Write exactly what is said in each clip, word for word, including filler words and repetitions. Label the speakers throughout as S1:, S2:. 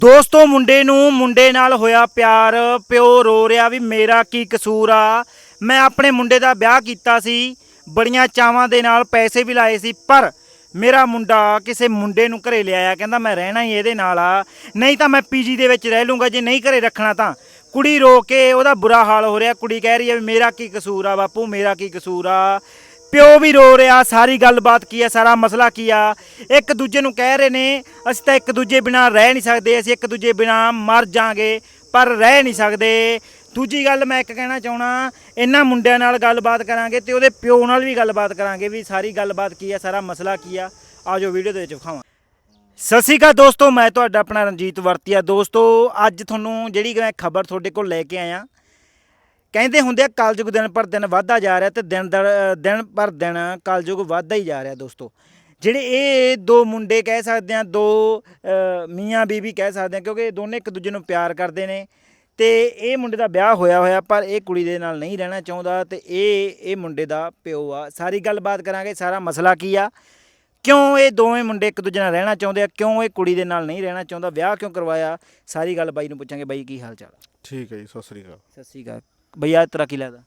S1: ਦੋਸਤੋ ਮੁੰਡੇ ਨੂੰ ਮੁੰਡੇ ਨਾਲ ਹੋਇਆ ਪਿਆਰ। ਪਿਓ ਰੋ ਰਿਹਾ ਵੀ ਮੇਰਾ ਕੀ ਕਸੂਰ ਆ। ਮੈਂ ਆਪਣੇ ਮੁੰਡੇ ਦਾ ਵਿਆਹ ਕੀਤਾ ਸੀ, ਬੜੀਆਂ ਚਾਵਾਂ ਦੇ ਨਾਲ ਪੈਸੇ ਵੀ ਲਾਏ ਸੀ, ਪਰ ਮੇਰਾ ਮੁੰਡਾ ਕਿਸੇ ਮੁੰਡੇ ਨੂੰ ਘਰੇ ਲਿਆਇਆ, ਕਹਿੰਦਾ ਮੈਂ ਰਹਿਣਾ ਹੀ ਇਹਦੇ ਨਾਲ ਆ, ਨਹੀਂ ਤਾਂ ਮੈਂ ਪੀਜੀ ਦੇ ਵਿੱਚ ਰਹਿ ਲੂੰਗਾ, ਜੇ ਨਹੀਂ ਘਰੇ ਰੱਖਣਾ ਤਾਂ। ਕੁੜੀ ਰੋ ਕੇ ਉਹਦਾ ਬੁਰਾ ਹਾਲ ਹੋ ਰਿਹਾ। ਕੁੜੀ ਕਹਿ ਰਹੀ ਹੈ ਵੀ ਮੇਰਾ ਕੀ ਕਸੂਰ ਆ ਬਾਪੂ, ਮੇਰਾ ਕੀ ਕਸੂਰ ਆ। ਪਿਓ ਵੀ ਰੋ ਰਿਹਾ। ਸਾਰੀ ਗੱਲਬਾਤ ਕੀ ਆ, ਸਾਰਾ ਮਸਲਾ ਕੀ ਆ। ਇੱਕ ਦੂਜੇ ਨੂੰ ਕਹਿ ਰਹੇ ਨੇ ਅਸੀਂ ਤਾਂ ਇੱਕ ਦੂਜੇ ਬਿਨਾਂ ਰਹਿ ਨਹੀਂ ਸਕਦੇ, ਅਸੀਂ ਇੱਕ ਦੂਜੇ ਬਿਨਾਂ ਮਰ ਜਾਾਂਗੇ, ਪਰ ਰਹਿ ਨਹੀਂ ਸਕਦੇ। ਦੂਜੀ ਗੱਲ ਮੈਂ ਇੱਕ ਕਹਿਣਾ ਚਾਹਣਾ, ਇਹਨਾਂ ਮੁੰਡਿਆਂ ਨਾਲ ਗੱਲਬਾਤ ਕਰਾਂਗੇ ਤੇ ਉਹਦੇ ਪਿਓ ਨਾਲ ਵੀ ਗੱਲਬਾਤ ਕਰਾਂਗੇ ਵੀ ਸਾਰੀ ਗੱਲਬਾਤ ਕੀ ਆ, ਸਾਰਾ ਮਸਲਾ ਕੀ ਆ। ਆਜੋ ਵੀਡੀਓ ਦੇ ਵਿੱਚ ਵਿਖਾਵਾਂ। ਸਤਿ ਸ਼੍ਰੀ ਅਕਾਲ ਦੋਸਤੋ, ਮੈਂ ਤੁਹਾਡਾ ਆਪਣਾ ਰਣਜੀਤ ਵਰਤੀਆ। ਦੋਸਤੋ ਅੱਜ ਤੁਹਾਨੂੰ ਜਿਹੜੀ ਮੈਂ ਖਬਰ ਤੁਹਾਡੇ ਕੋਲ ਲੈ ਕੇ ਆਇਆ, ਕਹਿੰਦੇ ਹੁੰਦੇ ਆ ਕਲਯੁਗ ਦਿਨ ਪਰ ਦਿਨ ਵੱਧਦਾ ਜਾ ਰਿਹਾ ਤੇ ਦਿਨ ਦਿਨ ਪਰ ਦਿਨ ਕਲਯੁਗ ਵੱਧਦਾ ਹੀ ਜਾ ਰਿਹਾ। ਦੋਸਤੋ ਜਿਹੜੇ ਇਹ ਦੋ ਮੁੰਡੇ ਕਹਿ ਸਕਦੇ ਆ, ਦੋ ਮੀਆਂ ਬੀਬੀ ਕਹਿ ਸਕਦੇ ਆ, ਕਿਉਂਕਿ ਇਹ ਦੋਨੇ ਇੱਕ ਦੂਜੇ ਨੂੰ ਪਿਆਰ ਕਰਦੇ ਨੇ ਤੇ ਇਹ ਮੁੰਡੇ ਦਾ ਵਿਆਹ ਹੋਇਆ ਹੋਇਆ, ਪਰ ਇਹ ਕੁੜੀ ਦੇ ਨਾਲ ਨਹੀਂ ਰਹਿਣਾ ਚਾਹੁੰਦਾ ਤੇ ਇਹ ਇਹ ਮੁੰਡੇ ਦਾ ਪਿਓ ਆ। ਸਾਰੀ ਗੱਲਬਾਤ ਕਰਾਂਗੇ, ਸਾਰਾ ਮਸਲਾ ਕੀ ਆ, ਕਿਉਂ ਇਹ ਦੋਵੇਂ ਮੁੰਡੇ ਇੱਕ ਦੂਜੇ ਨਾਲ ਰਹਿਣਾ ਚਾਹੁੰਦੇ ਆ, ਕਿਉਂ ਇਹ ਕੁੜੀ ਦੇ ਨਾਲ ਨਹੀਂ ਰਹਿਣਾ ਚਾਹੁੰਦਾ, ਵਿਆਹ ਕਿਉਂ ਕਰਵਾਇਆ, ਸਾਰੀ ਗੱਲ ਬਾਈ ਨੂੰ ਪੁੱਛਾਂਗੇ। ਬਾਈ ਕੀ ਹਾਲ ਚਾਲ?
S2: ਠੀਕ ਹੈ ਜੀ, ਸਤਿ ਸ੍ਰੀ ਅਕਾਲ।
S1: ਸਤਿ ਸ਼੍ਰੀ ਅਕਾਲ। ਬਈਆ ਤੇਰਾ ਕੀ ਲੱਗਦਾ?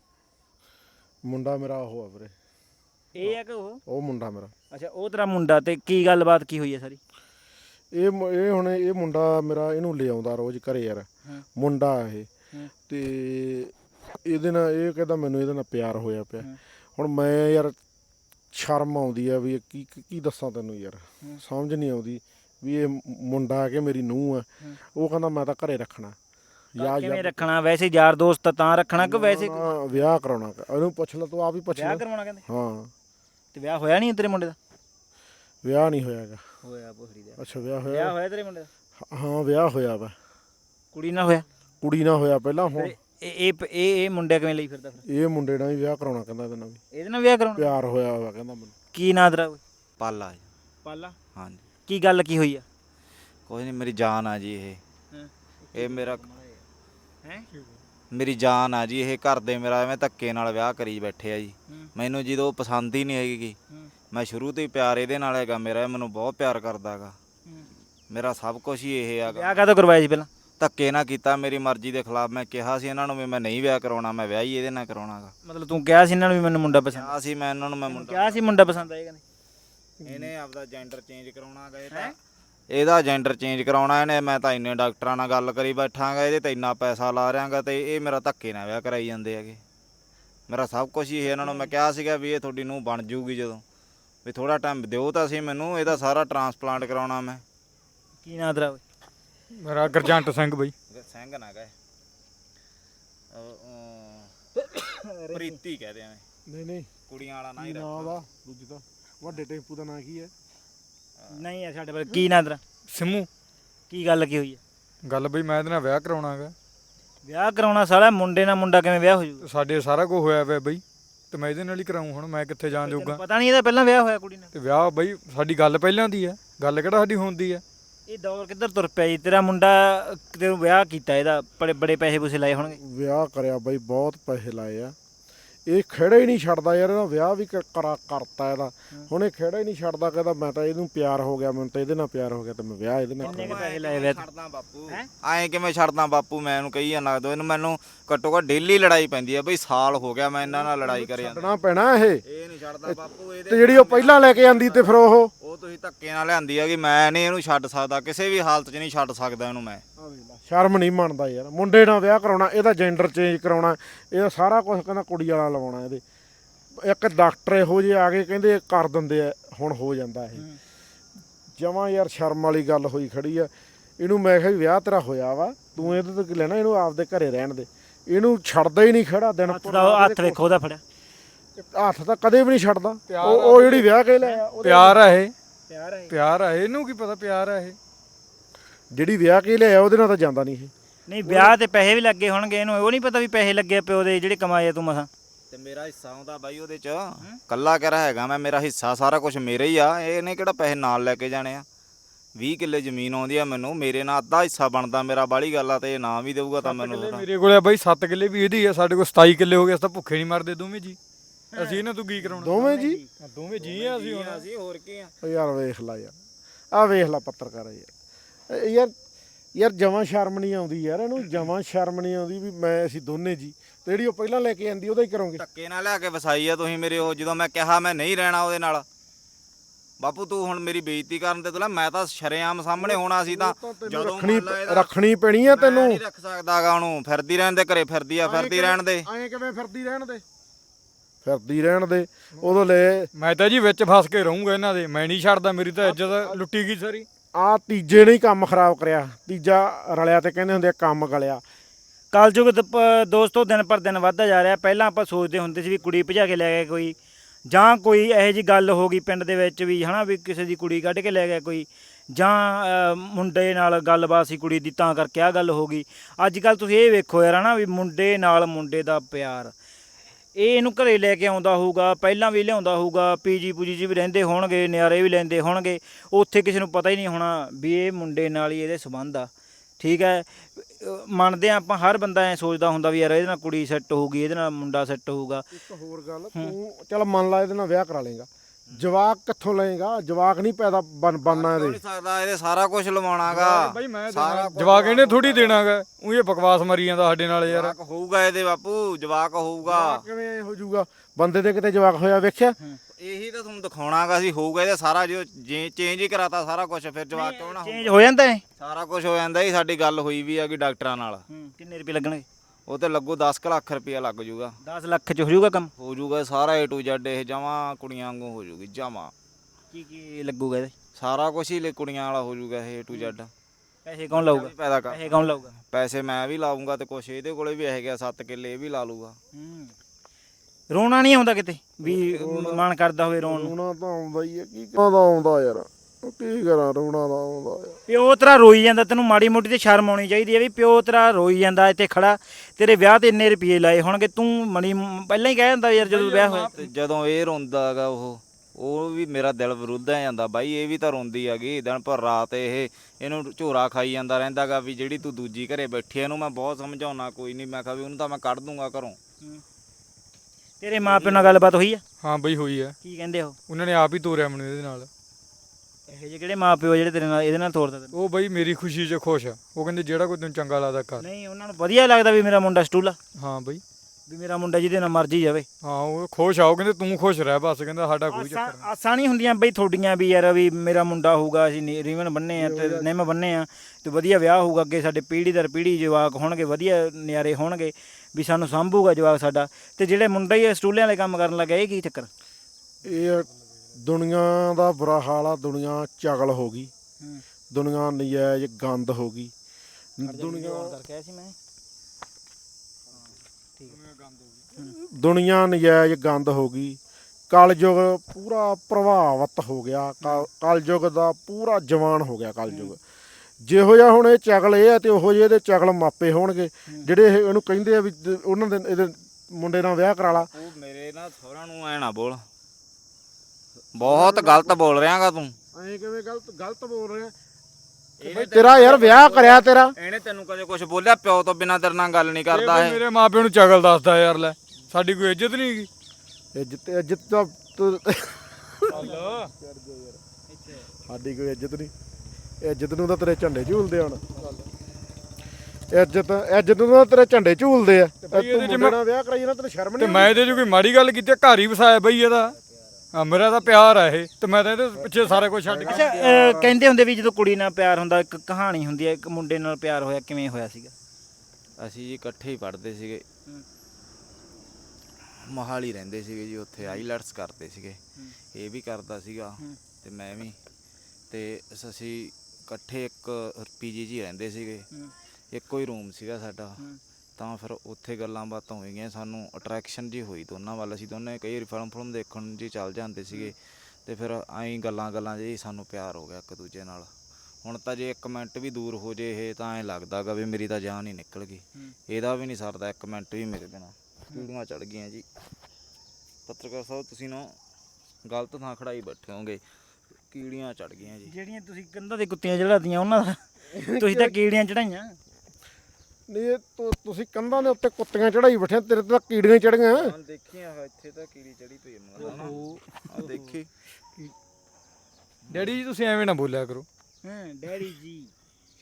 S2: ਮੁੰਡਾ ਮੇਰਾ ਉਹ ਆ ਵੀਰੇ,
S1: ਇਹ ਹੈ ਕਿ ਉਹ
S2: ਉਹ ਮੁੰਡਾ ਮੇਰਾ।
S1: ਅੱਛਾ, ਉਹ ਤੇਰਾ ਮੁੰਡਾ। ਤੇ ਕੀ ਗੱਲਬਾਤ ਕੀ ਹੋਈ ਹੈ ਸਾਰੀ?
S2: ਇਹ ਮ- ਇਹ ਹੁਣ ਇਹ ਮੁੰਡਾ ਮੇਰਾ ਇਹਨੂੰ ਲਿਆਉਂਦਾ ਰੋਜ਼ ਘਰੇ ਯਾਰ।
S1: ਹਾਂ।
S2: ਮੁੰਡਾ ਇਹ
S1: ਹਾਂ।
S2: ਤੇ ਇਹਦੇ ਨਾਲ ਇਹ ਕਹਿੰਦਾ ਮੈਨੂੰ ਇਹਦੇ ਨਾਲ ਪਿਆਰ ਹੋਇਆ ਪਿਆ।
S1: ਹਾਂ।
S2: ਹੁਣ ਮੈਂ ਯਾਰ ਸ਼ਰਮ ਆਉਂਦੀ ਆ ਵੀ ਇਹ ਕੀ ਕੀ- ਕੀ ਦੱਸਾਂ ਤੈਨੂੰ ਯਾਰ,
S1: ਹਾਂ।
S2: ਸਮਝ ਨਹੀਂ ਆਉਂਦੀ ਵੀ ਇਹ ਮੁੰਡਾ ਆ ਕੇ ਮੇਰੀ ਨੂੰਹ ਆ।
S1: ਹਾਂ।
S2: ਉਹ ਕਹਿੰਦਾ ਮੈਂ ਤਾਂ ਘਰੇ ਰੱਖਣਾ। ਯਾ
S1: ਕਿਵੇਂ ਰੱਖਣਾ? ਵੈਸੇ ਯਾਰ ਦੋਸਤ ਤਾਂ ਰੱਖਣਾ ਕਿ ਵੈਸੇ
S2: ਨਾ, ਵਿਆਹ ਕਰਾਉਣਾ। ਉਹਨੂੰ ਪੁੱਛ ਲੈ, ਤੂੰ ਆਪ ਹੀ ਪੁੱਛ
S1: ਵਿਆਹ
S2: ਲੈ।
S1: ਕਰਵਾਉਣਾ ਕਹਿੰਦੇ?
S2: ਹਾਂ,
S1: ਤੇ ਵਿਆਹ ਹੋਇਆ ਨਹੀਂ ਤੇਰੇ ਮੁੰਡੇ ਦਾ?
S2: ਵਿਆਹ ਨਹੀਂ ਹੋਇਆਗਾ।
S1: ਹੋਇਆ ਭੁਖੜੀ ਦਾ।
S2: ਅੱਛਾ, ਵਿਆਹ
S1: ਵਿਆਹ
S2: ਹੋਇਆ?
S1: ਹੋਇਆ ਤੇਰੇ ਮੁੰਡੇ ਦਾ?
S2: ਹਾਂ, ਵਿਆਹ ਹੋਇਆ ਵਾ।
S1: ਕੁੜੀ ਨਾਲ ਹੋਇਆ?
S2: ਕੁੜੀ ਨਾਲ ਹੋਇਆ ਪਹਿਲਾਂ। ਹੁਣ
S1: ਇਹ ਇਹ ਇਹ ਇਹ ਮੁੰਡਾ ਕਿਵੇਂ ਲਈ ਫਿਰਦਾ ਫਿਰ?
S2: ਇਹ ਮੁੰਡੇ ਨਾਲ ਵੀ ਵਿਆਹ ਕਰਾਉਣਾ ਕਹਿੰਦਾ, ਇਹਦੇ ਨਾਲ ਵੀ
S1: ਇਹਦੇ ਨਾਲ ਵਿਆਹ ਕਰਾਉਣਾ?
S2: ਪਿਆਰ ਹੋਇਆ ਹੋਇਆ ਕਹਿੰਦਾ ਮੈਨੂੰ।
S1: ਕੀ ਨਾਂ ਤੇਰਾ?
S3: ਪਾਲਾ ਜੀ।
S1: ਪਾਲਾ।
S3: ਹਾਂਜੀ,
S1: ਕੀ ਗੱਲ ਕੀ ਹੋਈ ਆ?
S3: ਕੋਈ ਨਹੀਂ, ਮੇਰੀ ਜਾਨ ਆ ਜੀ ਇਹ
S1: ਹਾਂ।
S3: ਇਹ ਮੇਰਾ
S1: ਹੈ?
S3: ਮੇਰੀ ਜਾਨ ਆ ਜੀ ਇਹ। ਘਰ ਦੇ ਮੇਰਾ ਐਵੇਂ ਧੱਕੇ ਨਾਲ ਵਿਆਹ ਕਰੀ ਬੈਠੇ ਆ ਜੀ। ਮੈਨੂੰ ਜਦੋਂ ਪਸੰਦ ਹੀ ਨਹੀਂ ਹੈਗੀ, ਮੈਂ ਸ਼ੁਰੂ ਤੋਂ ਹੀ ਪਿਆਰ ਇਹਦੇ ਨਾਲ ਹੈਗਾ ਮੇਰਾ। ਇਹ ਮੈਨੂੰ ਬਹੁਤ ਪਿਆਰ ਕਰਦਾ ਹੈਗਾ, ਮੇਰਾ ਸਭ ਕੁਝ ਹੀ ਇਹ ਹੈਗਾ।
S1: ਵਿਆਹ ਕਾਹਤੋਂ ਕਰਵਾਇਆ ਸੀ ਪਹਿਲਾਂ?
S3: ਧੱਕੇ ਨਾ ਕੀਤਾ, ਮੇਰੀ ਮਰਜ਼ੀ ਦੇ ਖਿਲਾਫ। ਮੈਂ ਕਿਹਾ ਸੀ ਇਹਨਾਂ ਨੂੰ ਵੀ ਮੈਂ ਨਹੀਂ ਵਿਆਹ ਕਰਾਉਣਾ, ਮੈਂ ਵਿਆਹ ਹੀ ਇਹਦੇ ਨਾਲ ਕਰਾਉਣਾਗਾ।
S1: ਮਤਲਬ ਤੂੰ ਕਿਹਾ ਸੀ ਇਹਨਾਂ ਨੂੰ ਵੀ ਮੈਨੂੰ ਮੁੰਡਾ ਪਸੰਦ?
S3: ਕਿਹਾ ਸੀ ਮੈਂ ਇਹਨਾਂ ਨੂੰ, ਮੈਂ
S1: ਤੈਨੂੰ
S3: ਮੁੰਡਾ
S1: ਕਿਹਾ ਸੀ ਮੁੰਡਾ ਪਸੰਦ ਆਏਗਾ ਨਹੀਂ?
S3: ਇਹਨੇ ਆਪਦਾ ਜੈਂਡਰ ਚੇਂਜ ਕਰਾਉਣਾਗਾ। ਇਹ ਤਾਂ ਇਹਦਾ ਜੈਂਡਰ ਚੇਂਜ ਕਰਾਉਣਾ ਇਹਨੇ। ਮੈਂ ਤਾਂ ਇੰਨੇ ਡਾਕਟਰਾਂ ਨਾਲ ਗੱਲ ਕਰੀ ਬੈਠਾਂਗਾ, ਇਹਦੇ ਤੇ ਇੰਨਾ ਪੈਸਾ ਲਾ ਰਿਹਾਗਾ ਤੇ ਇਹ ਮੇਰਾ ਧੱਕੇ ਨਾਲ ਵਿਆਹ ਕਰਾਈ ਜਾਂਦੇ ਹੈਗੇ। ਮੇਰਾ ਸਭ ਕੁਝ ਹੀ ਇਹਨਾਂ ਨੂੰ ਮੈਂ ਕਿਹਾ ਸੀਗਾ ਵੀ ਇਹ ਤੁਹਾਡੀ ਨੂੰਹ ਬਣ ਜੂਗੀ ਜਦੋਂ, ਵੀ ਥੋੜਾ ਟਾਈਮ ਦਿਓ ਤਾਂ ਸੀ ਮੈਨੂੰ, ਇਹਦਾ ਸਾਰਾ ਟਰਾਂਸਪਲਾਂਟ ਕਰਾਉਣਾ ਮੈਂ।
S1: ਕੀ ਨਾਂ ਤੇਰਾ?
S4: ਮੇਰਾ ਗੁਰਜੰਟ ਸਿੰਘ ਬਈ।
S3: ਸਿੰਘ ਨਾ ਗਏ, ਪ੍ਰੀਤੀ ਕਹਦੇ ਐਵੇਂ,
S2: ਨਹੀਂ ਨਹੀਂ,
S3: ਕੁੜੀਆਂ ਵਾਲਾ ਨਾ ਹੀ
S2: ਕੀ ਨਾਂ
S3: ਰੱਖ।
S2: ਉਹਦਾ ਦੂਜੀ ਦਾ ਵੱਡੇ ਟੈਂਪੂ ਦਾ ਨਾਂ ਕੀ ਹੈ?
S1: ਨਹੀਂ ਯਾਰ ਸਾਡੇ ਬਾਰੇ। ਕੀ ਨਾਂ ਤੇਰਾ?
S4: ਸਿੰਮੂ।
S1: ਕੀ ਗੱਲ ਕੀ ਹੋਈ ਹੈ?
S4: ਗੱਲ ਬਈ ਮੈਂ ਇਹਦੇ ਨਾਲ ਵਿਆਹ ਕਰਾਉਣਾਗਾ।
S1: ਵਿਆਹ ਕਰਾਉਣਾ? ਸਾਲਾ ਮੁੰਡੇ ਨਾਲ ਮੁੰਡਾ ਕਿਵੇਂ ਵਿਆਹ ਹੋ ਜਾਊਗਾ?
S4: ਸਾਡੇ ਸਾਰਾ ਕੁਝ ਹੋਇਆ ਪਿਆ ਬਈ, ਤੇ ਮੈਂ ਇਹਦੇ ਨਾਲ ਹੀ ਕਰਾਉਂ। ਹੁਣ ਮੈਂ ਕਿੱਥੇ ਜਾਣ ਜੋਗਾ?
S1: ਪਤਾ ਨਹੀਂ ਇਹਦਾ ਪਹਿਲਾਂ ਵਿਆਹ ਹੋਇਆ ਕੁੜੀ ਨਾਲ?
S4: ਤੇ ਵਿਆਹ ਬਈ ਸਾਡੀ ਗੱਲ ਪਹਿਲਾਂ ਦੀ ਹੈ, ਗੱਲ ਕਿਹੜਾ ਸਾਡੀ ਹੁੰਦੀ ਹੈ।
S1: ਇਹ ਦੌਰ ਕਿੱਧਰ ਤੁਰ ਪਿਆ ਜੀ? ਤੇਰਾ ਮੁੰਡਾ ਤੈਨੂੰ ਵਿਆਹ ਕੀਤਾ, ਇਹਦਾ ਬੜੇ ਬੜੇ ਪੈਸੇ ਪੂਸੇ ਲਾਏ ਹੋਣਗੇ।
S2: ਵਿਆਹ ਕਰਿਆ ਬਾਈ, ਬਹੁਤ ਪੈਸੇ ਲਾਏ ਆ। ਇਹ ਖੇੜਾ ਹੀ ਨਹੀਂ ਛੱਡਦਾ ਯਾਰ, ਇਹਦਾ ਵਿਆਹ ਵੀ ਕ- ਕਰਾ ਕਰਤਾ ਇਹਦਾ। ਹੁਣ ਇਹ ਖੇੜਾ ਹੀ ਨਹੀਂ ਛੱਡਦਾ, ਕਹਿੰਦਾ ਮੈਂ ਤਾਂ ਇਹਨੂੰ ਪਿਆਰ ਹੋ ਗਿਆ, ਮੈਨੂੰ ਤਾਂ ਇਹਦੇ ਨਾਲ ਪਿਆਰ ਹੋ ਗਿਆ ਤੇ ਮੈਂ ਵਿਆਹ ਇਹਦੇ ਨਾਲ
S1: ਕਿੰਨੇ ਕੁ
S2: ਕਰਾਉਣਾ।
S1: ਪੈਸੇ ਲਾਏ ਵਿਆਹ ਤੇ?
S3: ਛੱਡਦਾ ਬਾਪੂ
S1: ਹੈਂ?
S3: ਐਂ ਕਿਵੇਂ ਛੱਡਦਾ ਬਾਪੂ? ਮੈਂ ਇਹਨੂੰ ਕਹੀ ਜਾਂਦਾ ਦੋ ਇਹਨੂੰ, ਮੈਨੂੰ ਘੱਟੋ ਘੱਟ ਡੇਲੀ ਲੜਾਈ ਪੈਂਦੀ ਆ ਬਈ। ਸਾਲ ਹੋ ਗਿਆ ਮੈਂ ਇਹਨਾਂ ਨਾਲ ਲੜਾਈ ਕਰੀ ਜਾਂਦਾ।
S2: ਛੱਡਣਾ ਪੈਣਾ ਇਹ।
S3: ਇਹ ਨਹੀਂ ਛੱਡਦਾ ਬਾਪੂ। ਇਹਦੇ
S2: ਤੇ ਜਿਹੜੀ ਉਹ ਪਹਿਲਾਂ ਲੈ ਕੇ ਆਂਦੀ ਤੇ ਫਿਰ ਉਹ
S3: ਉਹ ਤੁਸੀਂ ਧੱਕੇ ਨਾਲ ਲਿਆਂਦੀ ਆ ਕਿ ਮੈਂ ਨਹੀਂ ਇਹਨੂੰ ਛੱਡ ਸਕਦਾ, ਕਿਸੇ ਵੀ ਹਾਲਤ 'ਚ ਨਹੀਂ ਛੱਡ ਸਕਦਾ ਇਹਨੂੰ ਮੈਂ।
S2: ਸ਼ਰਮ ਨਹੀਂ ਮੰਨਦਾ ਯਾਰ। ਮੁੰਡੇ ਨਾਲ ਵਿਆਹ ਕਰਾਉਣਾ, ਇਹਦਾ ਜੈਂਡਰ ਚੇਂਜ ਕਰਾਉਣਾ, ਇਹਦਾ ਸਾਰਾ ਕੁਝ ਕਹਿੰਦਾ ਕੁੜੀ ਵਾਲਾ ਲਵਾਉਣਾ ਇਹਦੇ। ਇੱਕ ਡਾਕਟਰ ਇਹੋ ਜਿਹੇ ਆ ਗਏ ਕਹਿੰਦੇ ਕਰ ਦਿੰਦੇ ਆ, ਹੁਣ ਹੋ ਜਾਂਦਾ ਇਹ ਜਮਾਂ ਯਾਰ। ਸ਼ਰਮ ਵਾਲੀ ਗੱਲ ਹੋਈ ਖੜੀ ਆ। ਇਹਨੂੰ ਮੈਂ ਕਿਹਾ ਵੀ ਵਿਆਹ ਤੇਰਾ ਹੋਇਆ ਵਾ, ਤੂੰ ਇਹਦੇ ਤੋਂ ਕੀ ਲੈਣਾ, ਇਹਨੂੰ ਆਪਦੇ ਘਰੇ ਰਹਿਣ ਦੇ। ਇਹਨੂੰ ਛੱਡਦਾ ਹੀ ਨਹੀਂ ਖੜਾ ਦਿਨ
S1: ਹੱਥ ਦਾ ਹੱਥ ਵੇਖੋ ਉਹਦਾ ਫੜਿਆ
S2: ਹੱਥ ਤਾਂ ਕਦੇ ਵੀ ਨਹੀਂ ਛੱਡਦਾ। ਉਹ ਉਹ ਜਿਹੜੀ ਵਿਆਹ ਕੇ ਲਿਆ ਉਹਦੇ-
S4: ਪਿਆਰ ਆ ਇਹ,
S1: ਪਿਆਰ ਹੈ।
S4: ਪਿਆਰ ਆ ਇਹ। ਇਹਨੂੰ ਕੀ ਪਤਾ ਪਿਆਰ ਆ ਇਹ।
S2: ਜਿਹੜੀ ਵਿਆਹ ਕੇ ਲਿਆ ਉਹਦੇ ਨਾਲ ਤਾਂ ਜਾਂਦਾ ਨਹੀਂ ਇਹ।
S1: ਨਹੀਂ ਵਿਆਹ ਤੇ ਪੈਸੇ ਵੀ ਲੱਗੇ ਹੋਣਗੇ, ਇਹਨੂੰ ਉਹ ਨਹੀਂ ਪਤਾ ਵੀ ਪੈਸੇ ਲੱਗੇ ਪਿਓ ਦੇ ਜਿਹੜੇ ਕਮਾਏ ਆ ਤੂੰ ਮਸਾਂ।
S3: ਤੇ ਮੇਰਾ ਹਿੱਸਾ ਆਉਂਦਾ ਬਾਈ ਉਹਦੇ 'ਚ। ਕੱਲਾ ਕਿਹੜਾ ਹੈਗਾ ਮੈਂ, ਮੇਰਾ ਹਿੱਸਾ ਸਾਰਾ ਕੁਝ ਮੇਰੇ ਹੀ ਆ। ਇਹਨੇ ਕਿਹੜਾ ਪੈਸੇ ਨਾਲ ਲੈ ਕੇ ਜਾਣੇ ਆ? ਵੀਹ ਕਿੱਲੇ ਜ਼ਮੀਨ ਆਉਂਦੀ ਆ ਮੈਨੂੰ, ਮੇਰੇ ਨਾਲ ਅੱਧਾ ਹਿੱਸਾ ਬਣਦਾ ਮੇਰਾ। ਬਾਹਲੀ ਗੱਲ ਆ, ਤੇ ਇਹ ਨਾ ਵੀ ਦੇਊਗਾ ਤਾਂ ਮੈਨੂੰ
S4: ਕਿੱਲੇ
S3: ਥੋੜ੍ਹਾ।
S4: ਮੇਰੇ ਕੋਲ ਆ ਬਈ, ਸੱਤ ਕਿੱਲੇ ਵੀ ਇਹਦੀ ਆ। ਸਾਡੇ ਕੋਲ ਸਤਾਈ ਕਿੱਲੇ ਹੋ ਗਏ, ਅਸੀਂ ਤਾਂ ਭੁੱਖੇ ਨਹੀਂ ਮਰਦੇ ਦੋਵੇਂ ਜੀ। ਅਸੀਂ ਇਹਨਾਂ ਤੋਂ ਕੀ ਕਰਾਉਣਾ?
S2: ਦੋਵੇਂ ਜੀ
S4: ਦੋਵੇਂ ਜੀ ਆ ਅਸੀਂ। ਹੁਣ
S3: ਅਸੀਂ ਹੋਰ ਕੀ ਆ?
S2: ਉਹ ਯਾਰ ਵੇਖ ਲਾ ਯਾਰ, ਆਹ ਵੇਖ ਲਾ ਪੱਤਰਕਾਰ ਯਾਰ। ਇਹ ਯਾਰ ਯਾਰ ਜਮਾਂ ਸ਼ਰਮ ਨਹੀਂ ਆਉਂਦੀ ਯਾਰ, ਇਹਨੂੰ ਜਮਾਂ ਸ਼ਰਮ ਨਹੀਂ ਆਉਂਦੀ ਵੀ ਮੈਂ ਅਸੀਂ ਦੋਨੇ ਜੀ, ਤੇ ਜਿਹੜੀ ਉਹ ਪਹਿਲਾਂ ਲੈ ਕੇ ਆਂਦੀ ਉਹਦਾ ਹੀ ਕਰੋਗੇ।
S3: ਧੱਕੇ ਨਾਲ ਲਿਆ ਕੇ ਵਸਾਈ ਆ ਤੁਸੀਂ ਮੇਰੇ, ਉਹ ਜਦੋਂ ਮੈਂ ਕਿਹਾ ਮੈਂ ਨਹੀਂ ਰਹਿਣਾ ਉਹਦੇ ਨਾਲ। ਬਾਪੂ ਤੂੰ ਹੁਣ ਮੇਰੀ ਬੇਇੱਜ਼ਤੀ ਕਰਨ ਤੇ ਤੁਲਾ, ਮੈਂ ਤਾਂ ਸ਼ਰੇਆਮ ਸਾਹਮਣੇ ਹੋਣਾ ਸੀ ਤਾਂ ਜਦੋਂ
S2: ਰੱਖਣੀ
S3: ਮੰਨ ਲਾ ਇਹਦਾ-
S2: ਰੱਖਣੀ ਪੈਣੀ ਆ
S3: ਮੈਂ
S2: ਤੈਨੂੰ।
S3: ਨਹੀਂ ਰੱਖ ਸਕਦਾਗਾ ਉਹਨੂੰ, ਫਿਰਦੀ ਰਹਿਣ ਦੇ, ਘਰੇ ਫਿਰਦੀ ਆ, ਫਿਰਦੀ ਰਹਿਣ ਦੇ।
S2: ਐਂ ਕਿਵੇਂ ਫਿਰਦੀ ਰਹਿਣ ਦੇ, ਫਿਰਦੀ ਰਹਿਣ ਦੇ ਉਦੋਂ ਲੈ।
S4: ਮੈਂ ਤਾਂ ਜੀ ਵਿੱਚ ਫਸ ਕੇ ਰਹੂੰਗਾ ਇਹਨਾਂ ਦੇ, ਮੈਂ ਨਹੀਂ ਛੱਡਦਾ, ਮੇਰੀ ਤਾਂ ਇੱਜ਼ਤ ਲੁੱਟੀ ਗਈ ਸਾਰੀ।
S2: ਆ ਤੀਜੇ ਨੇ ਹੀ ਕੰਮ ਖਰਾਬ ਕਰਿਆ, ਤੀਜਾ ਰਲਿਆ ਤੇ ਕਹਿੰਦੇ ਹੁੰਦੇ ਆ ਕੰਮ ਗਲਿਆ।
S1: ਕਲਯੁਗ ਦ- ਪ- ਦੋਸਤੋ ਦਿਨ ਪਰ ਦਿਨ ਵੱਧਦਾ ਜਾ ਰਿਹਾ। ਪਹਿਲਾਂ ਆਪਾਂ ਸੋਚਦੇ ਹੁੰਦੇ ਸੀ ਵੀ ਕੁੜੀ ਭਜਾ ਕੇ ਲੈ ਗਿਆ ਕੋਈ, ਜਾਂ ਕੋਈ ਇਹੋ ਜਿਹੀ ਗੱਲ ਹੋ ਗਈ ਪਿੰਡ ਦੇ ਵਿੱਚ ਵੀ ਹਨਾ ਵੀ ਕਿਸੇ ਦੀ ਕੁੜੀ ਕੱਢ ਕੇ ਲੈ ਗਿਆ ਕੋਈ, ਜਾਂ ਅ, ਮੁੰਡੇ ਨਾਲ ਗੱਲਬਾਤ ਸੀ ਕੁੜੀ ਦੀ ਤਾਂ ਕਰਕੇ ਆਹ ਗੱਲ ਹੋ ਗਈ। ਅੱਜ ਕੱਲ ਤੁਸੀਂ ਇਹ ਵੇਖੋ ਯਾਰ ਹਨਾ ਵੀ ਮੁੰਡੇ ਨਾਲ ਮੁੰਡੇ ਦਾ ਪਿਆਰ, ਇਹ ਇਹਨੂੰ ਘਰੇ ਲੈ ਕੇ ਆਉਂਦਾ ਹੋਊਗਾ, ਪਹਿਲਾਂ ਵੀ ਲਿਆਉਂਦਾ ਹੋਊਗਾ, ਪੀਜੀ ਪੂਜੀ 'ਚ ਵੀ ਰਹਿੰਦੇ ਹੋਣਗੇ, ਨਿਆਰੇ ਵੀ ਲੈਂਦੇ ਹੋਣਗੇ, ਉੱਥੇ ਕਿਸੇ ਨੂੰ ਪਤਾ ਹੀ ਨਹੀਂ ਹੋਣਾ ਵੀ ਇਹ ਮੁੰਡੇ ਨਾਲ ਹੀ ਇਹਦੇ ਸੰਬੰਧ ਆ। ਠੀਕ ਹੈ, ਅ, ਮੰਨਦੇ ਆ ਆਪਾਂ, ਹਰ ਬੰਦਾ ਐ ਸੋਚਦਾ ਹੁੰਦਾ ਵੀ ਯਾਰ ਇਹਦੇ ਨਾਲ ਕੁੜੀ ਸੈੱਟ ਹੋਊਗੀ, ਇਹਦੇ ਨਾਲ ਮੁੰਡਾ ਸੈੱਟ ਹੋਊਗਾ।
S2: ਇੱਕ ਹੋਰ ਗੱਲ, ਤੂੰ ਚੱਲ ਮੰਨ ਲਾ ਇਹਦੇ ਨਾਲ ਵਿਆਹ ਕਰਾ ਲੇਗਾ, ਜਵਾਕ ਕਿੱਥੋਂ ਲਏਗਾ? ਜਵਾਕ ਨਹੀਂ ਪੈਦਾ ਬਣ ਬਣਨਾ
S3: ਹੋ
S2: ਇਹਦੇ।
S3: ਨਹੀਂ ਸਕਦਾ, ਇਹਦੇ ਸਾਰਾ ਕੁਝ ਲਵਾਉਣਾਗਾ।
S4: ਬਾਈ ਮੈਂ
S3: ਸਾਰਾ
S4: ਦੇਣਾ,
S3: ਕੁਛ
S4: ਜਵਾਕ ਇਹਨੇ ਥੋੜੀ ਦੇਣਾਗਾ, ਉਹ ਇਹ ਬਕਵਾਸ ਮਰੀ ਜਾਂਦਾ ਸਾਡੇ ਨਾਲ ਯਾਰ।
S3: ਜਵਾਕ ਹੋਊਗਾ ਇਹਦੇ ਬਾਪੂ, ਜਵਾਕ ਹੋਊਗਾ।
S2: ਜਵਾਕ ਕਿਵੇਂ ਐ ਹੋ ਜਾਊਗਾ? ਬੰਦੇ ਦੇ ਕਿਤੇ ਜਵਾਕ ਹੋਇਆ ਵੇਖਿਆ?
S3: ਇਹੀ ਤਾਂ ਤੁਹਾਨੂੰ ਦਿਖਾਉਣਾਗਾ ਸੀ, ਹੋਊਗਾ ਇਹਦੇ ਸਾਰਾ, ਜੋ ਚੇਂਜ ਹੀ ਕਰਾਤਾ ਸਾਰਾ ਕੁਝ, ਫਿਰ ਜਵਾਕ ਕਿਉਂ ਨਾ ਹੋਊ?
S1: ਚੇਂਜ ਹੋ ਜਾਂਦਾ ਹੈ।
S3: ਸਾਰਾ ਕੁਝ ਹੋ ਜਾਂਦਾ ਜੀ। ਸਾਡੀ ਗੱਲ ਹੋਈ ਵੀ ਆ ਕਿ ਡਾਕਟਰਾਂ ਨਾਲ,
S1: ਕਿੰਨੇ ਰੁਪਏ ਲੱਗਣਗੇ?
S3: ਉਹ ਤੇ ਲੱਗੂ ਦਸ ਕੁ ਲੱਖ ਰੁਪਇਆ ਲੱਗ ਜੂਗਾ।
S1: ਦਸ ਲੱਖ ਚ ਹੋ ਜਾਊਗਾ ਕੰਮ?
S3: ਹੋ ਜੂਗਾ ਸਾਰਾ ਏ ਟੂ ਜ਼ੈਡ, ਇਹ ਜਮਾਂ ਕੁੜੀਆਂ ਵਾਂਗੂ ਹੋ ਜੂਗੀ ਜਮਾਂ।
S1: ਕੀ ਕੀ ਲੱਗੂਗਾ ਇਹਦੇ?
S3: ਸਾਰਾ ਕੁਝ ਹੀ ਲੈ ਕੁੜੀਆਂ ਵਾਲਾ ਹੋ ਜੂਗਾ ਇਹ ਏ ਟੂ ਜ਼ੈਡ।
S1: ਪੈਸੇ ਕੌਣ ਲਾਊਗਾ?
S3: ਪੈਦਾ ਕਰ
S1: ਪੈਸੇ ਕੌਣ ਲਾਊਗਾ?
S3: ਪੈਸੇ ਮੈਂ ਵੀ ਲਾਉਂਗਾ ਤੇ ਕੁਛ ਇਹਦੇ ਕੋਲੇ ਵੀ ਇਹ ਗਿਆ ਸੱਤ ਕਿੱਲੇ, ਇਹ ਵੀ ਲਾ ਲੂਗਾ।
S1: ਹੂੰ। ਰੋਣਾ ਨਹੀਂ ਆਉਂਦਾ ਕਿਤੇ ਵੀ ਮਨ ਕਰਦਾ ਹੋਵੇ ਰੋਣ ਨੂੰ?
S2: ਰੋਣਾ ਤਾਂ ਆਉਂਦਾ ਹੀ ਹੈ, ਕੀ ਕਰਾਂ ਦਾ ਆਉਂਦਾ ਯਾਰ, ਕੀ ਕਰਾਂ, ਰੋਣਾ ਤਾਂ ਆਉਂਦਾ ਯਾਰ।
S1: ਪਿਓ ਤੇਰਾ ਰੋਈ ਜਾਂਦਾ, ਤੈਨੂੰ ਮਾੜੀ ਮੋਟੀ ਤੇ ਸ਼ਰਮ ਆਉਣੀ ਚਾਹੀਦੀ ਹੈ ਵੀ ਪਿਓ ਤੇਰਾ ਰੋਈ ਜਾਂਦਾ ਇੱਥੇ ਖੜਾ, ਤੇਰੇ ਵਿਆਹ ਤੇ ਇੰਨੇ ਰੁਪਏ ਲਾਏ ਹੋਣਗੇ, ਤੂੰ ਮਣੀ ਪਹਿਲਾਂ ਹੀ ਕਹਿ ਜਾਂਦਾ ਯਾਰ ਜਦੋਂ ਵਿਆਹ ਹੋਇਆ।
S3: ਤੇ ਜਦੋਂ ਇਹ ਰੋਂਦਾਗਾ ਉਹ ਉਹ ਵੀ ਮੇਰਾ ਦਿਲ ਵਿਰੁੱਧ ਆ ਜਾਂਦਾ ਬਾਈ। ਇਹ ਵੀ ਤਾਂ ਰੋਂਦੀ ਹੈਗੀ ਦਿਨ ਭਰ ਰਾਤ, ਇਹ ਇਹਨੂੰ ਝੋਰਾ ਖਾਈ ਜਾਂਦਾ ਰਹਿੰਦਾਗਾ ਵੀ ਜਿਹੜੀ ਤੂੰ ਦੂਜੀ ਘਰੇ ਬੈਠੀ, ਇਹਨੂੰ ਮੈਂ ਬਹੁਤ ਸਮਝਾਉਣਾ, ਕੋਈ ਨਹੀਂ, ਮੈਂ ਕਿਹਾ ਵੀ ਉਹਨੂੰ ਤਾਂ ਮੈਂ ਕੱਢ ਦੂੰਗਾ ਘਰੋਂ।
S1: ਤੇਰੇ ਮਾਂ ਪਿਓ ਨਾਲ ਗੱਲਬਾਤ ਹੋਈ ਆ?
S4: ਹਾਂ ਬਈ ਹੋਈ ਆ,
S1: ਕੀ ਕਹਿੰਦੇ ਉਹ?
S4: ਉਹਨਾਂ ਨੇ ਆਪ ਹੀ ਤੋਰਿਆ ਮੈਨੂੰ ਇਹਦੇ ਨਾਲ।
S1: ਇਹੋ ਜਿਹੇ ਕਿਹੜੇ ਮਾਂ ਪਿਓ ਜਿਹੜੇ ਤੇਰੇ ਨਾਲ ਇਹਦੇ ਨਾਲ ਤੋਰਦਾ ਤੈਨੂੰ?
S4: ਉਹ ਬਈ ਮੇਰੀ ਖੁਸ਼ੀ 'ਚ ਖੁਸ਼ ਆ, ਉਹ ਕਹਿੰਦੇ ਜਿਹੜਾ ਕੋਈ ਤੈਨੂੰ ਚੰਗਾ ਲੱਗਦਾ ਕਰ।
S1: ਨਹੀਂ, ਉਹਨਾਂ ਨੂੰ ਵਧੀਆ ਲੱਗਦਾ ਵੀ ਮੇਰਾ ਮੁੰਡਾ ਸਟੂਲਾ,
S4: ਹਾਂ ਬਈ,
S1: ਵੀ ਮੇਰਾ ਮੁੰਡਾ ਜਿਹਦੇ ਨਾਲ ਮਰਜੀ ਜਾਵੇ।
S4: ਹਾਂ ਉਹ ਖੁਸ਼ ਆ, ਉਹ ਕਹਿੰਦੇ ਤੂੰ ਖੁਸ਼ ਰਹਿ ਬਸ, ਕਹਿੰਦਾ ਸਾਡਾ ਕੋਈ ਚੱਕਰ ਨਹੀਂ।
S1: ਆਸਾਂ ਨਹੀਂ ਹੁੰਦੀਆਂ ਬਈ ਤੁਹਾਡੀਆਂ ਵੀ ਯਾਰ ਵੀ ਮੇਰਾ ਮੁੰਡਾ ਹੋਊਗਾ, ਅਸੀਂ ਨੀ- ਰੀਵਨ ਬੰਨੇ ਆ ਤੇ ਨਿੰਮ ਬੰਨੇ ਆ ਤੇ ਵਧੀਆ ਵਿਆਹ ਹੋਊਗਾ, ਅੱਗੇ ਸਾਡੇ ਪੀੜ੍ਹੀ ਦਰ ਪੀੜ੍ਹੀ ਜਵਾਕ ਹੋਣਗੇ, ਵਧੀਆ ਨਿਆਰੇ ਹੋਣਗੇ, ਵੀ ਸਾਨੂੰ ਸਾਂਭੂਗਾ ਜਵਾਕ ਸਾਡਾ। ਤੇ ਜਿਹੜੇ ਮੁੰਡਾ ਹੀ ਸਟੂਲਿਆਂ ਵਾਲੇ ਕੰਮ ਕਰਨ ਲੱਗਾ, ਇਹ ਕੀ ਚੱਕਰ?
S2: ਇਹ ਦੁਨੀਆ ਦਾ ਬੁਰਾ ਹਾਲ ਆ, ਦੁਨੀਆ ਚਗਲ ਹੋ ਗਈ, ਦੁਨੀਆ ਨਜਾਇਜ਼ ਗੰਦ ਹੋ ਗਈ, ਦੁਨੀਆ
S1: ਕਰਕੇ ਸੀ ਮੈਂ
S2: ਦੁਨੀਆ ਨਜਾਇਜ਼ ਗੰਦ ਹੋ ਗਈ। ਕਲਯੁਗ ਪੂਰਾ ਪ੍ਰਭਾਵਿਤ ਹੋ ਗਿਆ, ਕਲ- ਕਲਯੁਗ ਦਾ ਪੂਰਾ ਜਵਾਨ ਹੋ ਗਿਆ ਕਲਯੁਗ। ਜਿਹੋ ਜਿਹਾ ਹੁਣ ਇਹ ਚਗਲ ਇਹ ਆ ਤੇ ਉਹੋ ਜਿਹੇ ਇਹਦੇ ਚਗਲ ਮਾਪੇ ਹੋਣਗੇ ਜਿਹੜੇ ਇਹ ਇਹਨੂੰ ਕਹਿੰਦੇ ਆ ਵੀ ਜ- ਉਹਨਾਂ ਦੇ ਇਹਦੇ ਮੁੰਡੇ ਨਾਲ ਵਿਆਹ ਕਰਾ ਲਾ।
S3: ਉਹ ਮੇਰੇ ਨਾ ਸਹੁਰਾ ਨੂੰ ਐ ਨਾ ਬੋਲ, ਬਹੁਤ ਗਲਤ ਬੋਲ ਰਿਹਾਗਾ ਤੂੰ।
S2: ਐਂ ਕਿਵੇਂ ਗਲਤ ਗਲਤ ਬੋਲ ਰਿਹਾ?
S3: ਇਹਨੇ
S2: ਤੇਰਾ ਯਾਰ ਵਿਆਹ ਕਰਿਆ ਤੇਰਾ,
S3: ਇਹਨੇ ਤੈਨੂੰ ਕਦੇ ਕੁਝ ਬੋਲਿਆ? ਪਿਓ ਤੋਂ ਬਿਨਾਂ ਤੇਰੇ ਨਾਲ ਗੱਲ ਨਹੀਂ
S4: ਇਹ
S3: ਕਰਦਾ
S4: ਬਈ
S3: ਇਹ।
S4: ਮੇਰੇ ਮਾਪਿਆਂ ਨੂੰ ਚਗਲ ਦੱਸਦਾ ਯਾਰ, ਲੈ ਸਾਡੀ ਕੋਈ ਇੱਜ਼ਤ ਨਹੀਂ ਹੈਗੀ।
S2: ਇੱਜ਼ਤ ਇੱਜ਼ਤ ਤਾਂ ਤੂੰ-
S4: ਚੱਲ
S2: ਸਾਡੀ ਕੋਈ ਇੱਜ਼ਤ ਨਹੀਂ, ਇੱਜ਼ਤ ਨੂੰ ਤਾਂ ਤੇਰੇ ਝੰਡੇ ਝੂਲਦੇ ਹੁਣ। ਇੱਜ਼ਤ ਇੱਜ਼ਤ ਨੂੰ ਤਾਂ ਤੇਰੇ ਝੰਡੇ ਝੂਲਦੇ ਆ।
S4: ਬਈ
S2: ਤੂੰ
S4: ਇਹਦੇ ਚ
S2: ਮੁੰਡੇ ਨਾਲ ਵਿਆਹ ਕਰਾਈ ਨਾ, ਤੈਨੂੰ ਸ਼ਰਮ
S4: ਤੇ
S2: ਨਹੀਂ?
S4: ਮੈਂ ਇਹਦੇ 'ਚ ਕੋਈ ਮਾੜੀ ਗੱਲ ਕੀਤੀ ਆ? ਘਰ ਹੀ ਵਸਾਇਆ ਬਈ ਇਹਦਾ, ਹਾਂ ਮੇਰਾ ਤਾਂ ਪਿਆਰ ਆ ਇਹ, ਤੇ ਮੈਂ ਤਾਂ ਇਹਦੇ ਪਿੱਛੇ ਸਾਰਾ ਕੁਝ ਛੱਡ ਕੇ।
S1: ਅੱਛਾ, ਅਹ, ਕਹਿੰਦੇ ਹੁੰਦੇ ਵੀ ਜਦੋਂ ਕੁੜੀ ਨਾਲ ਪਿਆਰ ਹੁੰਦਾ ਇੱਕ ਕਹਾਣੀ ਹੁੰਦੀ ਹੈ, ਇੱਕ ਮੁੰਡੇ ਨਾਲ ਪਿਆਰ ਹੋਇਆ, ਕਿਵੇਂ ਹੋਇਆ ਸੀਗਾ?
S3: ਅਸੀਂ ਜੀ ਇਕੱਠੇ ਹੀ ਪੜ੍ਹਦੇ ਸੀਗੇ, ਮੋਹਾਲੀ ਰਹਿੰਦੇ ਸੀਗੇ ਜੀ, ਉੱਥੇ ਆਈਲੈਟਸ ਕਰਦੇ ਸੀਗੇ। ਇਹ ਵੀ ਕਰਦਾ ਸੀਗਾ ਤੇ ਮੈਂ ਵੀ, ਤੇ ਅਸੀਂ ਇਕੱਠੇ ਇੱਕ ਪੀਜੀ 'ਚ ਹੀ ਰਹਿੰਦੇ ਸੀਗੇ, ਇੱਕੋ ਹੀ ਰੂਮ ਸੀਗਾ ਸਾਡਾ। ਤਾਂ ਫਿਰ ਉੱਥੇ ਗੱਲਾਂ ਬਾਤਾਂ ਹੋਈਆਂ, ਸਾਨੂੰ ਅਟਰੈਕਸ਼ਨ ਜੀ ਹੋਈ ਦੋਨਾਂ ਵੱਲ। ਅਸੀਂ ਦੋਨੇ ਕਈ ਵਾਰੀ ਫਿਲਮ ਫਿਲਮ ਦੇਖਣ ਜੀ ਚੱਲ ਜਾਂਦੇ ਸੀਗੇ, ਤੇ ਫਿਰ ਐਂ ਗੱਲਾਂ ਗੱਲਾਂ ਜੀ ਸਾਨੂੰ ਪਿਆਰ ਹੋ ਗਿਆ ਇੱਕ ਦੂਜੇ ਨਾਲ। ਹੁਣ ਤਾਂ ਜੇ ਇੱਕ ਮਿੰਟ ਵੀ ਦੂਰ ਹੋ ਜੇ ਇਹ, ਤਾਂ ਐਂ ਲੱਗਦਾ ਗਾ ਵੀ ਮੇਰੀ ਤਾਂ ਜਾਨ ਹੀ ਨਿਕਲ ਗਈ। ਇਹਦਾ ਵੀ ਨਹੀਂ ਸਰਦਾ ਇੱਕ ਮਿੰਟ ਵੀ ਮੇਰੇ ਬਿਨਾਂ। ਕੀੜੀਆਂ ਚੜ ਗਈਆਂ ਜੀ। ਪੱਤਰਕਾਰ ਸਾਹਿਬ ਤੁਸੀਂ ਨਾ ਗਲਤ ਥਾਂ ਖੜਾਈ ਬੈਠੇ ਹੋਗੇ, ਕੀੜੀਆਂ ਚੜ ਗਈਆਂ ਜੀ।
S1: ਜਿਹੜੀਆਂ ਤੁਸੀਂ ਕੰਧਾਂ ਤੇ ਕੁੱਤੀਆਂ ਚੜਾਦੀਆਂ ਉਹਨਾਂ ਦਾ ਤੁਸੀਂ ਤਾਂ ਕੀੜੀਆਂ ਚੜਾਈਆਂ।
S2: ਨਹੀਂ ਇਹ ਤੁ- ਤੁਸੀਂ ਕੰਧਾਂ ਦੇ ਉੱਤੇ ਕੁੱਤੀਆਂ ਚੜਾਈ ਬੈਠੇ, ਤੇਰੇ ਤੇ ਤਾਂ ਕੀੜੀਆਂ ਚੜੀਆਂ।
S3: ਹਾਂ ਦੇਖੀਆਂ ਇੱਥੇ ਤਾਂ ਕੀੜੀ ਚੜੀ ਪਈ ਹੈ, ਆ ਦੇਖੀ।
S4: ਡੈਡੀ ਜੀ ਤੁਸੀਂ ਐਵੇਂ ਨਾ ਬੋਲਿਆ ਕਰੋ।
S1: ਹਾਂ ਡੈਡੀ ਜੀ,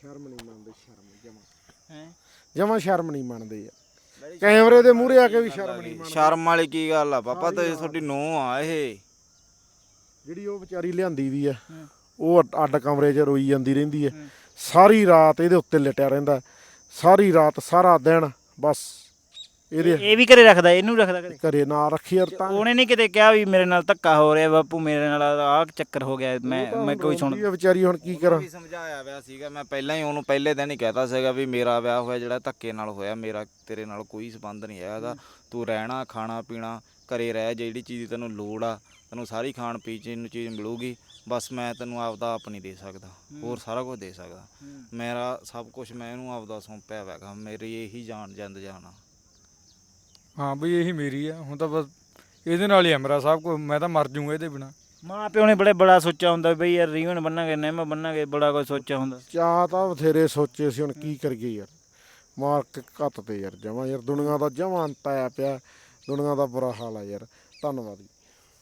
S2: ਸ਼ਰਮ ਨਹੀਂ ਮੰਨਦੇ, ਸ਼ਰਮ ਜਮਾ
S1: ਹੈ
S2: ਜਮਾ ਸ਼ਰਮ ਨਹੀਂ ਮੰਨਦੇ ਯਾਰ। ਕੈਮਰੇ ਦੇ ਮੂਹਰੇ ਆ ਕੇ ਵੀ ਸ਼ਰਮ ਨਹੀਂ ਮੰਨਦੇ।
S3: ਸ਼ਰਮ ਵਾਲੀ ਕੀ ਗੱਲ ਆ ਪਾਪਾ, ਤੇ ਤੁਹਾਡੀ ਨੂੰਹ ਆ ਇਹ।
S2: ਜਿਹੜੀ ਉਹ ਵਿਚਾਰੀ ਲਿਆਂਦੀ ਵੀ ਆ, ਉਹ ਅੱਡ- ਅੱਡ ਕਮਰੇ 'ਚ ਰੋਈ ਜਾਂਦੀ ਰਹਿੰਦੀ ਹੈ, ਸਾਰੀ ਰਾਤ ਇਹਦੇ ਉੱਤੇ ਲਟਿਆ ਰਹਿੰਦਾ, ਸਾਰੀ ਰਾਤ ਸਾਰਾ ਦਿਨ ਬਸ ਇਹਦੇ
S1: ਇਹ ਵੀ ਘਰੇ ਰੱਖਦਾ, ਇਹਨੂੰ ਰੱਖਦਾ ਘਰੇ?
S2: ਘਰੇ ਨਾ ਰੱਖੀ ਯਾਰ। ਤਾਂ
S1: ਉਹਨੇ ਨਹੀਂ ਕਿਤੇ ਕਿਹਾ ਵੀ ਮੇਰੇ ਨਾਲ ਧੱਕਾ ਹੋ ਰਿਹਾ ਬਾਪੂ, ਮੇਰੇ ਨਾਲ ਆਹ ਚੱਕਰ ਹੋ ਗਿਆ, ਮੈਂ ਮੈਂ ਕੋਈ ਸੁਣ
S2: ਰੋਂਦੀ ਆ ਵਿਚਾਰੀ, ਹੁਣ ਕੀ ਕਰਾਂ।
S3: ਵੀ ਸਮਝਾਇਆ ਵਿਆ ਸੀਗਾ ਮੈਂ ਪਹਿਲਾਂ ਹੀ ਉਹਨੂੰ, ਪਹਿਲੇ ਦਿਨ ਹੀ ਕਹਿਤਾ ਸੀਗਾ ਵੀ ਮੇਰਾ ਵਿਆਹ ਹੋਇਆ ਜਿਹੜਾ ਧੱਕੇ ਨਾਲ ਹੋਇਆ, ਮੇਰਾ ਤੇਰੇ ਨਾਲ ਕੋਈ ਸੰਬੰਧ ਨਹੀਂ ਹੈਗਾ ਇਹਦਾ। ਤੂੰ ਰਹਿਣਾ ਖਾਣਾ ਪੀਣਾ ਘਰੇ ਰਹਿ, ਜਿਹੜੀ ਚੀਜ਼ ਦੀ ਤੈਨੂੰ ਲੋੜ ਆ ਤੈਨੂੰ ਸਾਰੀ ਖਾਣ ਪੀਣ ਨੂੰ ਚੀਜ਼ ਮਿਲੂਗੀ, ਬਸ ਮੈਂ ਤੈਨੂੰ ਆਪਦਾ ਆਪ ਨਹੀਂ ਦੇ ਸਕਦਾ, ਹੋਰ ਸਾਰਾ ਕੁਝ ਦੇ ਸਕਦਾ। ਮੇਰਾ ਸਭ ਕੁਝ ਮੈਂ ਇਹਨੂੰ ਆਪਦਾ ਸੌਂਪਿਆ ਹੋਇਆ, ਮੇਰੀ ਇਹੀ ਜਾਨ ਜਿੰਦ ਜਾਨ ਆ।
S4: ਹਾਂ ਬਈ ਇਹੀ ਮੇਰੀ ਆ, ਹੁਣ ਤਾਂ ਬਸ ਇਹਦੇ ਨਾਲ ਹੀ ਆ ਮੇਰਾ ਸਭ ਕੁਝ, ਮੈਂ ਤਾਂ ਮਰ ਜੂੰਗਾ ਇਹਦੇ ਬਿਨਾ।
S1: ਮਾਂ ਪਿਓ ਨੇ ਬੜੇ ਬੜਾ ਸੋਚਿਆ ਹੁੰਦਾ ਬਈ ਯਾਰ ਰੀਵਨ ਬੰਨਾਂਗੇ, ਨਿੰਮ ਬੰਨਾਂਗੇ, ਬੜਾ ਕੁਝ ਸੋਚਿਆ ਹੁੰਦਾ।
S2: ਚਾਹ ਤਾਂ ਬਥੇਰੇ ਸੋਚੇ ਸੀ, ਹੁਣ ਕੀ ਕਰੀਏ ਯਾਰ, ਮਾਰ ਕੇ ਘੱਟ ਤੇ ਯਾਰ ਜਮਾ ਯਾਰ। ਦੁਨੀਆ ਦਾ ਜਮਾ ਅੰਤ ਆਇਆ ਪਿਆ, ਦੁਨੀਆ ਦਾ ਬੁਰਾ ਹਾਲ ਆ ਯਾਰ। ਧੰਨਵਾਦ ਜੀ।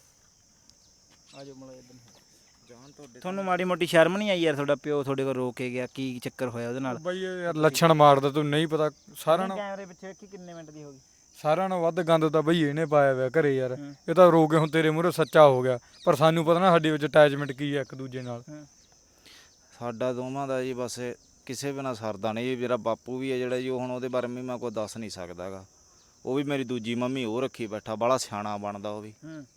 S1: ਆਜੋ ਮਲਾ ਤੁਹਾਨੂੰ ਮਾੜੀ ਮੋਟੀ ਸ਼ਰਮ ਨਹੀਂ ਆਈ ਯਾਰ, ਤੁਹਾਡਾ ਪਿਓ ਤੁਹਾਡੇ ਕੋਲ ਰੋ ਕੇ ਗਿਆ, ਕੀ ਚੱਕਰ ਹੋਇਆ ਉਹਦੇ ਨਾਲ?
S4: ਬਈ ਇਹ ਯਾਰ ਲੱਛਣ ਮਾਰਦਾ, ਤੂੰ ਨਹੀਂ ਪਤਾ। ਸਾਰਿਆਂ ਨਾਲ
S1: ਕੈਮਰੇ ਪਿੱਛੇ ਵੇਖੀ ਕਿੰਨੇ ਮਿੰਟ ਦੀ ਹੋ ਗਈ।
S4: ਸਾਰਿਆਂ ਨਾਲ ਵੱਧ ਗੰਦ ਤਾਂ ਬਈ ਇਹਨੇ ਪਾਇਆ ਹੋਇਆ ਘਰੇ ਯਾਰ। ਇਹ ਤਾਂ ਰੋ ਕੇ ਹੁਣ ਤੇਰੇ ਮੂਹਰੇ ਸੱਚਾ ਹੋ ਗਿਆ, ਪਰ ਸਾਨੂੰ ਪਤਾ ਨਾ ਸਾਡੇ ਵਿੱਚ ਅਟੈਚਮੈਂਟ ਕੀ ਹੈ ਇੱਕ ਦੂਜੇ ਨਾਲ।
S3: ਸਾਡਾ ਦੋਵਾਂ ਦਾ ਜੀ ਬਸ ਕਿਸੇ ਬਿਨਾਂ ਸਰਦਾ ਨਹੀਂ। ਮੇਰਾ ਬਾਪੂ ਵੀ ਹੈ ਜਿਹੜਾ ਜੀ, ਉਹ ਹੁਣ ਉਹਦੇ ਬਾਰੇ ਵੀ ਮੈਂ ਕੋਈ ਦੱਸ ਨਹੀਂ ਸਕਦਾ ਗਾ। ਉਹ ਵੀ ਮੇਰੀ ਦੂਜੀ ਮੰਮੀ ਉਹ ਰੱਖੀ ਬੈਠਾ, ਬੜਾ ਸਿਆਣਾ ਬਣਦਾ ਉਹ ਵੀ।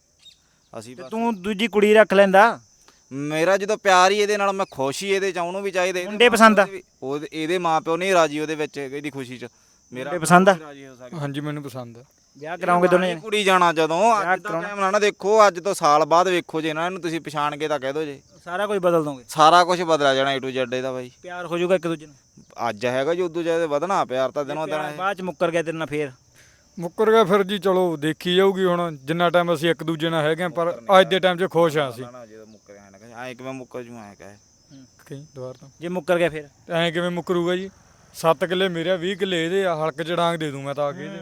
S3: ਅਸੀਂ
S1: ਤੇ ਤੂੰ ਦੂਜੀ ਕੁੜੀ ਰੱਖ ਲੈਂਦਾ।
S3: ਮੇਰਾ ਜਦੋਂ ਪਿਆਰ ਹੀ ਇਹਦੇ ਨਾਲ, ਮੈਂ ਖੁਸ਼ ਹੀ ਇਹਦੇ ਚ, ਉਹਨੂੰ ਵੀ ਚਾਹੀਦੇ
S1: ਮੁੰਡੇ ਪਸੰਦ ਆ?
S3: ਉਹ ਇਹਦੇ ਮਾਂ ਪਿਓ ਨਹੀਂ ਰਾਜੀ ਉਹਦੇ ਵਿੱਚ, ਇਹਦੀ ਖੁਸ਼ੀ ਚ। ਮੇਰਾ
S1: ਪਸੰਦ ਆ?
S3: ਰਾਜੀ ਹੋ ਸਕਦਾ।
S4: ਹਾਂਜੀ ਮੈਨੂੰ ਪਸੰਦ ਆ।
S1: ਵਿਆਹ ਕਰਾਉਂਗੇ ਦੋਨੇ ਜਣੇ?
S3: ਕੁੜੀ ਜਾਣਾ ਜਦੋਂ ਅੱਜ ਦਾ ਟਾਈਮ ਨਾ ਨਾ ਦੇਖੋ, ਅੱਜ ਤੋਂ ਸਾਲ ਬਾਅਦ ਵੇਖੋ ਜੇ ਇਹਨਾਂ ਨੂੰ ਤੁਸੀਂ ਪਛਾਣ ਕੇ ਤਾਂ ਕਹਿ ਦੋ ਜੇ,
S1: ਸਾਰਾ ਕੁਝ ਬਦਲ ਦੋਗੇ?
S3: ਸਾਰਾ ਕੁਝ ਬਦਲ ਜਾਣਾ ਏ ਟੂ ਜ਼ੈਡ ਇਹਦਾ ਬਾਈ।
S1: ਪਿਆਰ ਹੋ ਜਾਊਗਾ ਇੱਕ ਦੂਜੇ ਨੂੰ?
S3: ਅੱਜ ਹੈਗਾ ਜੀ, ਉਦੋਂ ਜਿਆਦਾ ਵਧਣਾ ਪਿਆਰ ਤਾਂ ਦਿਨੋਂ ਦਿਨ ਇਹ।
S1: ਬਾਅਦ ਚ ਮੁੱਕਰ ਗਿਆ ਤੇਰੇ ਨਾਲ ਫੇਰ?
S4: ਮੁੱਕਰ ਗਿਆ ਫਿਰ ਜੀ, ਚਲੋ ਦੇਖੀ ਜਾਊਗੀ ਹੁਣ। ਜਿੰਨਾ ਟਾਈਮ ਅਸੀਂ ਇੱਕ ਦੂਜੇ ਨਾਲ ਹੈਗੇ ਪਰ ਅੱਜ ਦੇ ਟਾਈਮ 'ਚ ਖੁਸ਼ ਆ ਅਸੀਂ।
S3: ਜਦੋਂ ਮੁੱਕਰ ਗਿਆ ਨਾ ਕਹੇ ਐਂ ਕਿਵੇਂ ਮੁੱਕਰ ਜੂ, ਐਂ ਕਹੇ
S4: ਕਹੀਂ ਦੁਬਾਰ ਤੋਂ
S1: ਜੇ ਮੁੱਕਰ ਗਿਆ ਫਿਰ?
S4: ਐਂ ਕਿਵੇਂ ਮੁੱਕਰੂਗਾ ਜੀ? ਸੱਤ ਕਿੱਲੇ ਮੇਰੇ ਆ, ਵੀਹ ਕਿੱਲੇ ਇਹਦੇ ਆ, ਹਲਕ ਚ ਡਾਂਗ ਦੇ ਦੂੰ ਮੈਂ ਤਾਂ ਆ ਕੇ ਇਹਦੇ।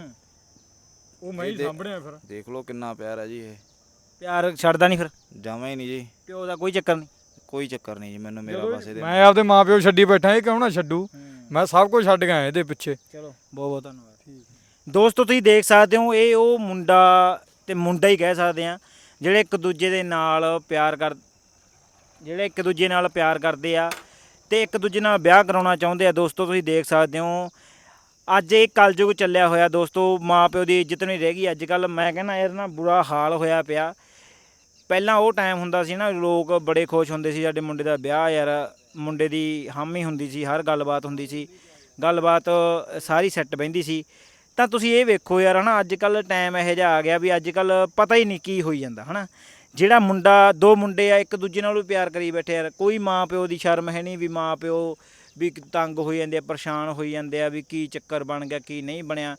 S4: ਉਹ ਮੈਂ ਹੀ ਸਾਂਭਣਿਆ ਫਿਰ।
S3: ਦੇਖ ਲਓ ਕਿੰਨਾ ਪਿਆਰ ਹੈ ਜੀ ਇਹ।
S1: ਪਿਆਰ ਛੱਡਦਾ ਨਹੀਂ ਫਿਰ?
S3: ਜਮਾਂ ਹੀ ਨਹੀਂ ਜੀ,
S1: ਪਿਓ ਦਾ ਕੋਈ ਚੱਕਰ ਨਹੀਂ?
S3: ਕੋਈ ਚੱਕਰ ਨਹੀਂ ਜੀ ਮੈਨੂੰ, ਮੇਰਾ ਬਸ ਇਹਦੇ
S4: ਮੈਂ ਆਪਦੇ ਮਾਂ ਪਿਓ ਛੱਡੀ ਬੈਠਾ, ਇਹ ਕਿਉਂ ਨਾ ਛੱਡੂ? ਮੈਂ ਸਭ ਕੁਝ ਛੱਡ ਗਿਆ ਇਹਦੇ ਪਿੱਛੇ।
S1: ਚਲੋ ਬਹੁਤ ਬਹੁਤ ਧੰਨਵਾਦ। ਦੋਸਤੋ ਤੁਸੀਂ ਦੇਖ ਸਕਦੇ ਹੋ, ਇਹ ਉਹ ਮੁੰਡਾ ਤੇ ਮੁੰਡਾ ਹੀ ਕਹਿ ਸਕਦੇ ਆ ਜਿਹੜੇ ਇੱਕ ਦੂਜੇ ਦੇ ਨਾਲ ਪਿਆਰ ਕਰ ਜਿਹੜੇ ਇੱਕ ਦੂਜੇ ਨਾਲ ਪਿਆਰ ਕਰਦੇ ਆ ਤੇ ਇੱਕ ਦੂਜੇ ਨਾਲ ਵਿਆਹ ਕਰਾਉਣਾ ਚਾਹੁੰਦੇ ਆ। ਦੋਸਤੋ ਤੁਸੀਂ ਦੇਖ ਸਕਦੇ ਹੋ ਅੱਜ ਇਹ ਕਲਯੁਗ ਚੱਲਿਆ ਹੋਇਆ ਦੋਸਤੋ, ਮਾਂ ਪਿਓ ਦੀ ਇੱਜ਼ਤ ਨਹੀਂ ਰਹਿ ਗਈ ਅੱਜ ਕੱਲ੍ਹ। ਮੈਂ ਕਹਿੰਦਾ ਯਾਰ ਨਾ ਬੁਰਾ ਹਾਲ ਹੋਇਆ ਪਿਆ। ਪਹਿਲਾਂ ਉਹ ਟਾਈਮ ਹੁੰਦਾ ਸੀ ਨਾ, ਲੋਕ ਬੜੇ ਖੁਸ਼ ਹੁੰਦੇ ਸੀ ਸਾਡੇ ਮੁੰਡੇ ਦਾ ਵਿਆਹ, ਯਾਰ ਮੁੰਡੇ ਦੀ ਹਾਮੀ ਹੁੰਦੀ ਸੀ, ਹਰ ਗੱਲਬਾਤ ਹੁੰਦੀ ਸੀ, ਗੱਲਬਾਤ ਸਾਰੀ ਸੈੱਟ ਬਹਿੰਦੀ ਸੀ। ਤਾਂ ਤੁਸੀਂ ਇਹ ਵੇਖੋ ਯਾਰ ਹੈ ਨਾ, ਅੱਜ ਕੱਲ੍ਹ ਟਾਈਮ ਇਹੋ ਜਿਹਾ ਆ ਗਿਆ ਵੀ ਅੱਜ ਕੱਲ੍ਹ ਪਤਾ ਹੀ ਨਹੀਂ ਕੀ ਹੋਈ ਜਾਂਦਾ ਹੈ ਨਾ। ਜਿਹੜਾ ਮੁੰਡਾ, ਦੋ ਮੁੰਡੇ ਆ ਇੱਕ ਦੂਜੇ ਨਾਲ ਵੀ ਪਿਆਰ ਕਰੀ ਬੈਠੇ ਯਾਰ, ਕੋਈ ਮਾਂ ਪਿਓ ਦੀ ਸ਼ਰਮ ਹੈ ਨਹੀਂ ਵੀ ਮਾਂ ਪਿਓ ਵੀ ਤੰਗ ਹੋਈ ਜਾਂਦੇ ਆ, ਪਰੇਸ਼ਾਨ ਹੋਈ ਜਾਂਦੇ ਆ ਵੀ ਕੀ ਚੱਕਰ ਬਣ ਗਿਆ ਕੀ ਨਹੀਂ ਬਣਿਆ।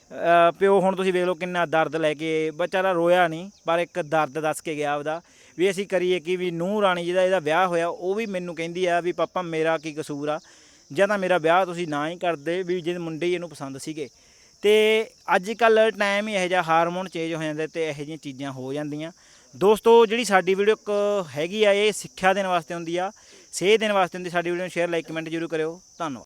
S1: ਪਿਓ ਹੁਣ ਤੁਸੀਂ ਵੇਖ ਲਓ ਕਿੰਨਾ ਦਰਦ ਲੈ ਕੇ, ਵਿਚਾਰਾ ਰੋਇਆ ਨਹੀਂ ਪਰ ਇੱਕ ਦਰਦ ਦੱਸ ਕੇ ਗਿਆ ਉਹਦਾ ਵੀ ਅਸੀਂ ਕਰੀਏ ਕਿ ਵੀ ਨੂੰਹ ਰਾਣੀ ਜਿਹਦਾ ਇਹਦਾ ਵਿਆਹ ਹੋਇਆ ਉਹ ਵੀ ਮੈਨੂੰ ਕਹਿੰਦੀ ਆ ਵੀ ਪਾਪਾ ਮੇਰਾ ਕੀ ਕਸੂਰ ਆ, ਜਾਂ ਤਾਂ ਮੇਰਾ ਵਿਆਹ ਤੁਸੀਂ ਨਾ ਹੀ ਕਰਦੇ ਵੀ ਜਿਹੜੇ ਮੁੰਡੇ ਹੀ ਇਹਨੂੰ ਪਸੰਦ ਸੀਗੇ। ਤੇ ਅੱਜ ਕੱਲ੍ਹ ਟਾਈਮ ਹੀ ਇਹੋ ਜਿਹਾ, ਹਾਰਮੋਨ ਚੇਂਜ ਹੋ ਜਾਂਦੇ ਤੇ ਇਹੋ ਜਿਹੀਆਂ ਚੀਜ਼ਾਂ ਹੋ ਜਾਂਦੀਆਂ। ਦੋਸਤੋ ਜਿਹੜੀ ਸਾਡੀ ਵੀਡੀਓ ਇੱਕ ਹੈਗੀ ਆ, ਇਹ ਸਿੱਖਿਆ ਦੇਣ ਵਾਸਤੇ ਹੁੰਦੀ ਆ, ਸੇਧ ਦੇਣ ਵਾਸਤੇ ਹੁੰਦੀ। ਸਾਡੀ ਵੀਡੀਓ ਨੂੰ ਸ਼ੇਅਰ ਲਾਈਕ ਕਮੈਂਟ ਜ਼ਰੂਰ ਕਰਿਓ। ਧੰਨਵਾਦ।